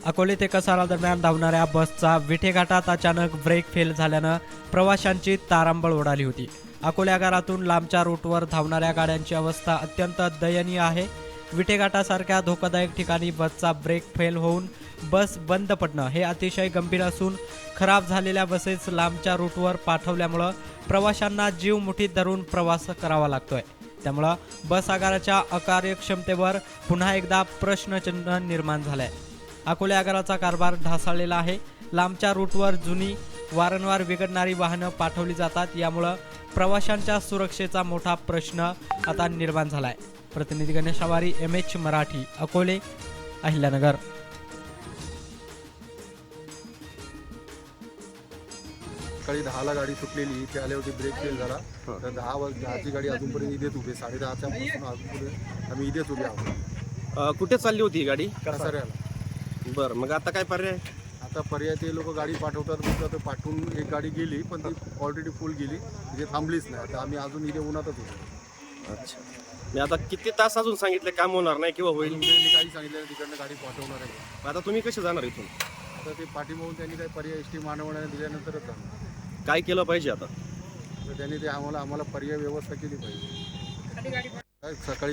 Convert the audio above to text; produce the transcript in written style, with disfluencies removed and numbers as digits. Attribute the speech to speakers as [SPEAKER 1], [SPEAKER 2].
[SPEAKER 1] अकोले ते कसारा दरम्यान धावणाऱ्या बसचा विठे घाटात अचानक ब्रेक फेल झाल्यानं प्रवाशांची तारांबळ उडाली होती. अकोले आगारातून लांबच्या रूटवर धावणाऱ्या गाड्यांची अवस्था अत्यंत दयनीय आहे. विठे घाटासारख्या धोकादायक ठिकाणी बसचा ब्रेक फेल होऊन बस बंद पडणं हे अतिशय गंभीर असून खराब झालेल्या बसेस लांबच्या रूटवर पाठवल्यामुळं प्रवाशांना जीव मुठीत धरून प्रवास करावा लागतोय. त्यामुळं बस आगाराच्या अकार्यक्षमतेवर पुन्हा एकदा प्रश्नचिन्ह निर्माण झालंय. अकोले आगाराचा कारभार ढासळलेला आहे. लांबच्या रूटवर जुनी वारंवार बिघडणारी वाहनं पाठवली जातात. यामुळं प्रवाशांच्या सुरक्षेचा मोठा प्रश्न आता निर्माण झालाय. प्रतिनिधी गणेश आवारी, MH मराठी, अकोले, अहिल्यानगर.
[SPEAKER 2] सकाळी 10ला गाडी सुटलेली, इथे आले होते, ब्रेक फेल झाला. तर 10ची गाडी अजूनपर्यंत इथेच उभी, 10:30च्या पासून अजूनपर्यंत आम्ही इथेच उभे आहोत.
[SPEAKER 3] कुठे चालली होती ही गाडी?
[SPEAKER 2] कसाऱ्याला.
[SPEAKER 3] बरं, मग आता काय पर्याय?
[SPEAKER 2] आता पर्याय ते लोक गाडी पाठवतात म्हणतात, तर पाठवून एक गाडी गेली, पण ती ऑलरेडी फुल गेली, इथे थांबलीच नाही. आता आम्ही अजून इथे उन्हातच होतो.
[SPEAKER 3] अच्छा, मी आता किती तास अजून सांगितले काम होणार नाही किंवा होईल?
[SPEAKER 2] मी काही सांगितलं तिकडनं गाडी पाठवणार आहे.
[SPEAKER 3] आता तुम्ही कसे जाणार इथून?
[SPEAKER 2] आता ते पाठीमागून त्यांनी काही पर्याय एसटी महामंडळाने दिल्यानंतरच जाणार.
[SPEAKER 3] काय केलं पाहिजे आता?
[SPEAKER 2] तर त्यांनी ते आम्हाला पर्याय व्यवस्था केली पाहिजे. सकाळी